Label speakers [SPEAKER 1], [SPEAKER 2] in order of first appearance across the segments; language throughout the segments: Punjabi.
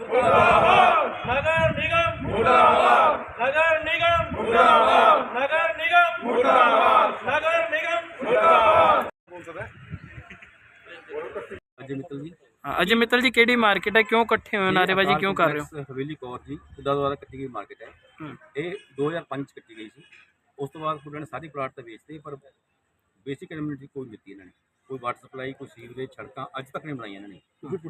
[SPEAKER 1] मुर्दाबाद नगर निगम मुर्दाबाद नगर निगम मुर्दाबाद नगर निगम मुर्दाबाद नगर निगम मुर्दाबाद।
[SPEAKER 2] अजय मित्तल जी।
[SPEAKER 3] अजय मित्तल जी केड़ी मार्केट है, क्यों इकट्ठे हुए हो, नारेबाजी क्यों कर रहे हो?
[SPEAKER 2] हवेली कौर जी खुदा द्वारा कट्टी गई मार्केट है। ये 2005 कट्टी गई थी। उस तो बाद उन्होंने सारी प्लाट तो बेचते पर बेसिक कम्यूनिटी कोई नहीं दी इन्होंने, कोई वाटर सप्लाई कोई सीवरेज सड़क अज तक नहीं बनाई इन्होंने।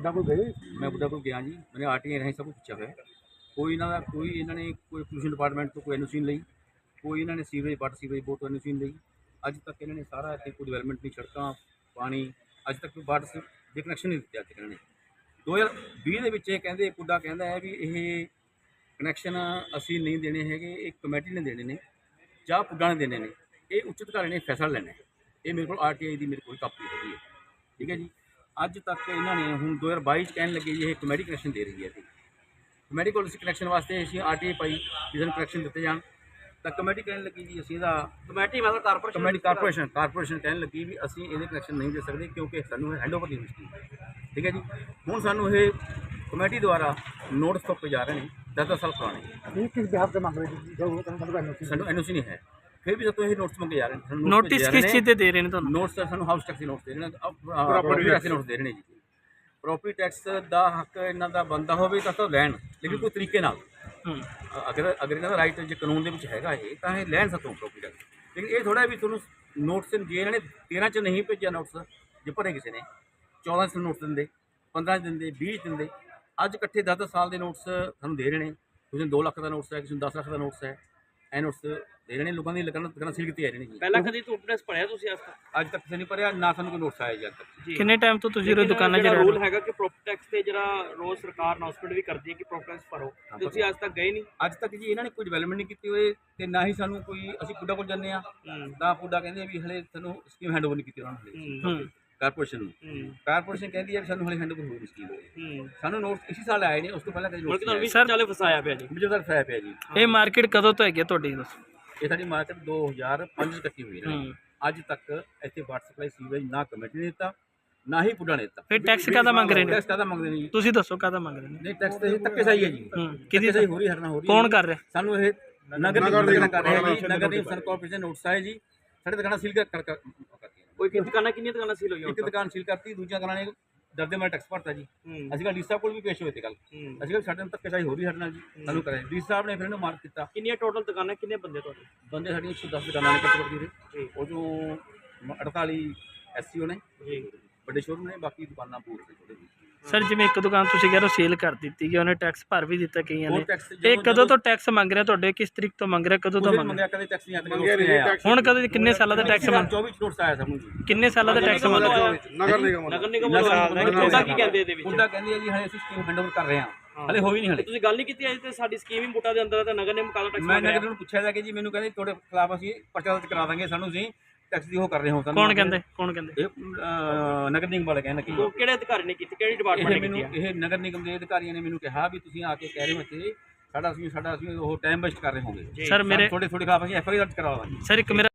[SPEAKER 2] मैं बुढ़ा को गया जी, मैंने आरटीआई राਹੀਂ सब कुछ पूछा हुआ कोई इन्होंने कोई पोल्यूशन डिपार्टमेंट तो कोई एनओसी नहीं ली, कोई इन्होंने सीवरेज वाटर सीवरेज बोर्ड तो एनओसी नहीं ली। अज तक इन्होंने सारा इतने कोई डिवेलपमेंट नहीं, सड़क पानी अज तक कोई वाटर ਦੇ ਕਨੈਕਸ਼ਨ ਨਹੀਂ ਦਿੱਤੇ ਅੱਜ ਤੱਕ ਇਹਨਾਂ ਨੇ। 2020 ਦੇ ਵਿੱਚ ਇਹ ਕਹਿੰਦੇ ਪੁੱਡਾ ਕਹਿੰਦਾ ਹੈ ਵੀ ਇਹ ਕਨੈਕਸ਼ਨ ਅਸੀਂ ਨਹੀਂ ਦੇਣੇ ਹੈਗੇ, ਇਹ ਕਮੇਟੀ ਨੇ ਦੇਣੇ ਨੇ ਜਾਂ ਪੁੱਡਾ ਨੇ ਦੇਣੇ ਨੇ, ਇਹ ਉੱਚ ਅਧਿਕਾਰੀ ਨੇ ਫੈਸਲਾ ਲੈਣਾ ਹੈ। ਇਹ ਮੇਰੇ ਕੋਲ ਆਰਟੀਆਈ ਦੀ ਮੇਰੇ ਕੋਲ ਕਾਪੀ ਹੈਗੀ ਹੈ, ਠੀਕ ਹੈ ਜੀ। ਅੱਜ ਤੱਕ ਇਹਨਾਂ ਨੇ ਹੁਣ 2022 ਚ ਕਹਿਣ ਲੱਗੇ ਜੀ ਇਹ ਕਮੇਟੀ ਕਨੈਕਸ਼ਨ ਦੇ ਰਹੀ ਹੈ। ਤੇ ਕਮੇਟੀ ਕੋਲ ਅਸੀਂ ਕਨੈਕਸ਼ਨ ਵਾਸਤੇ ਅਸੀਂ ਆਰਟੀਆਈ ਪਾਈ ਜਿਸ ਨੂੰ ਕਨੈਕਸ਼ਨ ਦਿੱਤੇ ਜਾਣ ਤਾਂ ਕਮੇਟੀ ਕਹਿਣ ਲੱਗੀ ਜੀ ਅਸੀਂ ਇਹਦਾ ਕਮੇਟੀ ਮਤਲਬ ਕਾਰਪੋਰੇਸ਼ਨ ਕਹਿਣ ਲੱਗੀ ਵੀ ਅਸੀਂ ਇਹਦੇ ਕਨੈਕਸ਼ਨ ਨਹੀਂ ਦੇ ਸਕਦੇ ਕਿਉਂਕਿ ਸਾਨੂੰ ਹੈਂਡਓਵਰ ਨਹੀਂ ਹੋਈ। ਠੀਕ ਹੈ ਜੀ। ਹੁਣ ਸਾਨੂੰ ਇਹ ਕਮੇਟੀ ਦੁਆਰਾ ਨੋਟਿਸ ਤੋਂ ਜਾ ਰਹੇ ਨੇ 10 ਸਾਲ ਪੁਰਾਣੇ।
[SPEAKER 4] किस बिहार से मांग रहे थे?
[SPEAKER 2] ਸਾਨੂੰ ਐਨਓਸੀ ਨਹੀਂ ਹੈ, ਫਿਰ ਵੀ ਸਾਨੂੰ ਇਹ ਨੋਟਿਸ ਮੰਗੇ ਜਾ ਰਹੇ ਨੇ।
[SPEAKER 3] ਨੋਟਿਸ ਕਿਸ ਚੀਜ਼ ਦੇ ਦੇ ਰਹੇ ਨੇ ਤੁਹਾਨੂੰ?
[SPEAKER 2] ਨੋਟਿਸ ਸਾਨੂੰ ਹਾਊਸ ਟੈਕਸ ਦੇ ਨੋਟਿਸ ਦੇ ਰਹੇ ਨੇ, ਪ੍ਰੋਪਰਟੀ ਟੈਕਸ ਦੇ ਨੋਟਿਸ ਦੇ ਰਹੇ ਨੇ ਜੀ। ਪ੍ਰੋਪਰਟੀ ਟੈਕਸ ਦਾ ਹੱਕ ਇਹਨਾਂ ਦਾ ਬਣਦਾ ਹੋਵੇ ਤਾਂ ਲੈਣ, ਲੇਕਿਨ ਕੋਈ ਤਰੀਕੇ ਨਾਲ ਅਗਰ ਇਹਨਾਂ ਦਾ ਰਾਈਟ ਜੇ ਕਾਨੂੰਨ ਦੇ ਵਿੱਚ ਹੈਗਾ ਇਹ ਤਾਂ ਇਹ ਲੈਣ ਸਕੋ ਪ੍ਰੋਪਰਟੀ ਟੈਕਸ। ਲੇਕਿਨ ਇਹ ਥੋੜ੍ਹਾ ਵੀ ਤੁਹਾਨੂੰ ਨੋਟਿਸ ਜੇ ਇਹਨਾਂ ਨੇ 13 'ਚ ਨਹੀਂ ਭੇਜਿਆ ਨੋਟਿਸ, ਜੇ ਭਰੇ ਕਿਸੇ ਨੇ 14 'ਚ ਨੋਟਿਸ ਦਿੰਦੇ, 15 'ਚ ਦਿੰਦੇ, 20 'ਚ ਦਿੰਦੇ, ਅੱਜ ਇਕੱਠੇ 10 ਸਾਲ ਦੇ ਨੋਟਿਸ ਸਾਨੂੰ ਦੇ ਰਹੇ ਨੇ। ਕਿਸੇ ਨੂੰ 2 ਲੱਖ ਦਾ ਨੋਟਿਸ ਹੈ, ਕਿਸੇ ਨੂੰ 10 ਲੱਖ ਦਾ ਨੋਟਿਸ ਹੈ, ਇਹ ਨੋਟਿਸ ਦੇ ਰਹੇ ਨੇ ਲੋਕਾਂ ਦੀ ਦੁਕਾਨਾਂ ਸੀਲ ਕੀਤੀਆਂ ਜਾ ਰਹੀਆਂ ਨੇ ਜੀ।
[SPEAKER 1] ਪਹਿਲਾਂ ਕਦੀ ਟੂਟਨੈਸ ਪੜਿਆ ਤੁਸੀਂ
[SPEAKER 2] ਅੱਜ ਤੱਕ ਕਿਸੇ ਨੇ ਭਰਿਆ ਨਾ, ਸਾਨੂੰ ਕੋਈ ਨੋਟਿਸ ਆਇਆ ਜੀ ਅੱਜ ਤੱਕ।
[SPEAKER 3] ਕਿੰਨੇ ਟਾਈਮ ਤੋਂ ਤੁਸੀਂ ਉਹ ਦੁਕਾਨਾਂ 'ਚ ਰਹਿ ਰਹੇ
[SPEAKER 1] ਰੂਲ
[SPEAKER 3] ਹੋ?
[SPEAKER 1] ਹੈਗਾ ਕਿ ਪ੍ਰੋਪਰਟੀ ਟੈਕਸ ਤੇ ਜਿਹੜਾ ਰੋਜ਼ ਸਰਕਾਰ ਅਨਾਉਂਸਮੈਂਟ ਵੀ ਕਰਦੀ ਹੈ ਕਿ ਪ੍ਰੋਪਰਟੀ ਟੈਕਸ ਭਰੋ, ਤੁਸੀਂ ਅੱਜ ਤੱਕ ਗਏ ਨਹੀਂ?
[SPEAKER 2] ਅੱਜ ਤੱਕ ਜੀ ਇਹਨਾਂ ਨੇ ਕੋਈ ਡਿਵੈਲਪਮੈਂਟ ਨਹੀਂ ਕੀਤੀ ਹੋਏ ਤੇ ਨਾ ਹੀ ਸਾਨੂੰ ਕੋਈ, ਅਸੀਂ ਪੁੱਡਾ ਕੋਲ ਜਾਂਦੇ ਆ ਤਾਂ ਪੁੱਡਾ ਕਹਿੰਦੇ ਵੀ ਹਲੇ ਸਾਨੂੰ ਸਕੀਮ ਹੈਂਡਓਵਰ ਨਹੀਂ ਕੀਤੀ ਉਹਨਾਂ ਨੇ ਕਾਰਪੋਰੇਸ਼ਨ ਨੂੰ। ਕਾਰਪੋਰੇਸ਼ਨ ਕਹਿੰਦੀ ਹੈ ਵੀ ਸਾਨੂੰ ਹਲੇ ਹੈਂਡਓਵਰ ਹੋਈ ਸਕੀਮ। ਸਾਨੂੰ ਨੋਟਿਸ ਇਸੇ ਸਾਲ ਆਏ ਨੇ, ਉਸ ਤੋਂ ਪਹਿਲਾਂ ਕਦੇ ਨੋਟਿਸ
[SPEAKER 1] ਚਾਲੇ ਫਸਾਇਆ ਪਿਆ ਜੀ,
[SPEAKER 2] ਵਿਜੇ ਤੱਕ ਫਾਇਆ ਪਿਆ ਜੀ।
[SPEAKER 3] ਇਹ ਮਾਰਕੀਟ ਕਦੋਂ ਤੋਂ ਹੈਗੀ ਤੁਹਾਡੀ ਦੱਸੋ?
[SPEAKER 2] ਇਹ ਸਾਡੀ ਮਾਰਕੀਟ 2005 ਚ ਕੱਟੀ ਹੋਈ ਹੈ। ਅੱਜ ਤੱਕ ਇੱਥੇ ਵਾਟਰ ਸਪਲਾਈ ਸੀਵਰੇਜ ਨਾ ਕਮੇਟੀ ਨੇ ਦਿੱਤਾ ਨਾ ਹੀ ਪੁੱਡਾ ਨੇ ਦਿੱਤਾ।
[SPEAKER 3] ਫਿਰ ਟੈਕਸ ਕਾਹਦਾ ਮੰਗ ਰਹੇ ਨੇ?
[SPEAKER 2] ਟੈਕਸ ਕਾਹਦਾ ਮੰਗਦੇ ਨੇ ਜੀ?
[SPEAKER 3] ਤੁਸੀਂ ਦੱਸੋ ਕਾਹਦਾ ਮੰਗ ਰਹੇ ਨੇ?
[SPEAKER 2] ਨਹੀਂ ਟੈਕਸ ਤੇ ਧੱਕੇ ਸਹੀ ਹੈ ਜੀ।
[SPEAKER 3] ਕਿਹਦੀ
[SPEAKER 2] ਸਹੀ ਹੋ ਰਹੀ ਹਰਨਾ ਹੋ ਰਹੀ
[SPEAKER 3] ਕੌਣ ਕਰ ਰਿਹਾ?
[SPEAKER 2] ਸਾਨੂੰ ਇਹ ਨਗਰ ਨਿਗਮ ਕਰ ਰਿਹਾ ਜੀ। ਨਗਰ ਨਿਗਮ ਸਨ ਕਾਰਪੋਰੇਸ਼ਨ ਨੋਟਿਸ ਆਏ ਜੀ, ਸਾਡੇ ਦੁਕਾਨਾਂ ਸੀਲ ਕਰ
[SPEAKER 1] ਕੋਈ ਦੁਕਾਨਾਂ ਕਿੰਨੀਆਂ ਦੁਕਾਨਾਂ ਸੀਲ ਹੋਈਆਂ?
[SPEAKER 2] ਇੱਕ ਦੁਕਾਨ ਸੀਲ ਕਰਤੀ, ਦੂਜੀਆਂ ਦੁਕਾਨਾਂ ਨੇ ਦਰਦੇ ਮਾਰੇ ਟੈਕਸ ਭਰਤਾ ਜੀ। ਅਸੀਂ ਕੱਲ੍ਹ ਡੀ ਸਾਹਿਬ ਕੋਲ ਵੀ ਪੇਸ਼ ਹੋਏ ਤੇ ਕੱਲ, ਅਸੀਂ ਕੱਲ੍ਹ ਸਾਡੇ ਨਾਲ ਧੱਕੇਸ਼ਾਹੀ ਹੋ ਰਹੀ ਸਾਡੇ ਨਾਲ ਜੀ, ਸਾਨੂੰ ਕਰਿਆ ਡੀ ਸਾਹਿਬ ਨੇ ਫਿਰ ਇਹਨੂੰ ਮਾਰਕ ਕੀਤਾ।
[SPEAKER 1] ਕਿੰਨੀਆਂ ਟੋਟਲ ਦੁਕਾਨਾਂ, ਕਿੰਨੇ ਬੰਦੇ ਤੁਹਾਡੇ?
[SPEAKER 2] ਬੰਦੇ ਸਾਡੀਆਂ 110 ਦੁਕਾਨਾਂ ਨੇ ਕੱਟ ਦੇ, ਉਹ ਚੋਂ 48 ਐਸਸੀਓ ਨੇ ਜੀ, ਵੱਡੇ ਸ਼ੋਰੂਮ ਨੇ, ਬਾਕੀ ਦੁਕਾਨਾਂ ਪੂਰ ਤੇ ਥੋੜੇ ਜੀ।
[SPEAKER 3] ਸਰ ਜਿਵੇਂ ਇੱਕ ਦੁਕਾਨ ਤੁਸੀਂ ਕਹਿ ਰਹੇ ਹੋ ਸੇਲ ਕਰ ਦਿੱਤੀ ਗਈ, ਉਹਨੇ ਟੈਕਸ ਭਰ ਵੀ ਦਿੱਤਾ ਕਈਆਂ ਨੇ,
[SPEAKER 2] ਟੈਕਸ
[SPEAKER 3] ਇਹ ਕਦੋਂ ਤੋਂ ਟੈਕਸ ਮੰਗ ਰਿਹਾ ਤੁਹਾਡੇ? ਕਿਸ ਤਰੀਕ ਤੋਂ ਮੰਗ ਰਿਹਾ, ਕਦੋਂ ਤੋਂ ਮੰਗ
[SPEAKER 2] ਮੰਗਿਆ? ਕਦੇ ਟੈਕਸ ਨਹੀਂ ਆਇਆ।
[SPEAKER 3] ਹੁਣ ਕਦੋਂ, ਕਿੰਨੇ ਸਾਲਾਂ ਦਾ ਟੈਕਸ ਮੰਗ?
[SPEAKER 2] 24 ਨੋਟਿਸ ਆਇਆ ਸਾਨੂੰ ਜੀ।
[SPEAKER 3] ਕਿੰਨੇ ਸਾਲਾਂ ਦਾ ਟੈਕਸ ਮੰਗ?
[SPEAKER 1] ਨਗਰ ਨਿਗਮ ਉਹਦਾ ਕੀ ਕਹਿੰਦੇ ਇਹਦੇ ਵਿੱਚ?
[SPEAKER 2] ਉਹਦਾ ਕਹਿੰਦੀ ਹੈ ਜੀ ਹਲੇ ਅਸੀਂ ਸਕੀਮ ਹੈਂਡਓਵਰ ਕਰ ਰਹੇ ਹਾਂ, ਹਲੇ ਹੋਈ ਨਹੀਂ। ਹਲੇ
[SPEAKER 1] ਤੁਸੀਂ ਗੱਲ ਨਹੀਂ ਕੀਤੀ ਅਜੇ ਤੇ ਸਾਡੀ ਸਕੀਮ ਹੀ ਬੂਟਾ ਦੇ ਅੰਦਰ ਹੈ ਤਾਂ ਨਗਰ ਨਿਗਮ ਕਾਹਦਾ ਟੈਕਸ?
[SPEAKER 2] ਮੈਂ ਨਗਰ ਨੂੰ ਪੁੱਛਿਆ ਜਾ ਕਿ ਜੀ ਮੈਨੂੰ ਕਹਿੰਦੇ ਤੁਹਾਡੇ ਖਿਲਾਫ ਅਸੀਂ ਪਰਚਾ ਦਰਜ ਕਰਾ ਦਾਂਗੇ, ਸਾਨੂੰ ਅਸੀਂ ਟੈਕਸ ਦੀ ਉਹ ਕਰ ਰਹੇ ਹੋ।
[SPEAKER 3] ਕੌਣ ਕਹਿੰਦੇ? ਇਹ
[SPEAKER 2] ਨਗਰ ਨਿਗਮ ਵਾਲੇ ਕਹਿੰਦੇ ਕਿ
[SPEAKER 1] ਉਹ ਕਿਹੜੇ ਅਧਿਕਾਰੀ ਨੇ ਕੀਤੀ, ਕਿਹੜੀ ਡਿਪਾਰਟਮੈਂਟ ਨੇ ਕੀਤੀ?
[SPEAKER 2] ਇਹ ਨਗਰ ਨਿਗਮ ਦੇ ਅਧਿਕਾਰੀਆਂ ਨੇ ਮੈਨੂੰ ਕਿਹਾ ਵੀ ਤੁਸੀਂ ਆ ਕੇ ਕਹਿ ਰਹੇ ਹੋ ਇੱਥੇ ਸਾਡਾ ਅਸੀਂ ਉਹ ਟਾਈਮ ਵੇਸਟ ਕਰ ਰਹੇ ਹੋਗੇ
[SPEAKER 3] ਸਰ ਮੇਰੇ
[SPEAKER 2] ਥੋੜੇ ਖਿਲਾਫ ਅਸੀਂ ਐਫਆਈਆਰ ਦਰਜ ਕਰਵਾਵਾਂਗੇ।
[SPEAKER 3] ਸਰ ਇੱਕ ਮੇਰਾ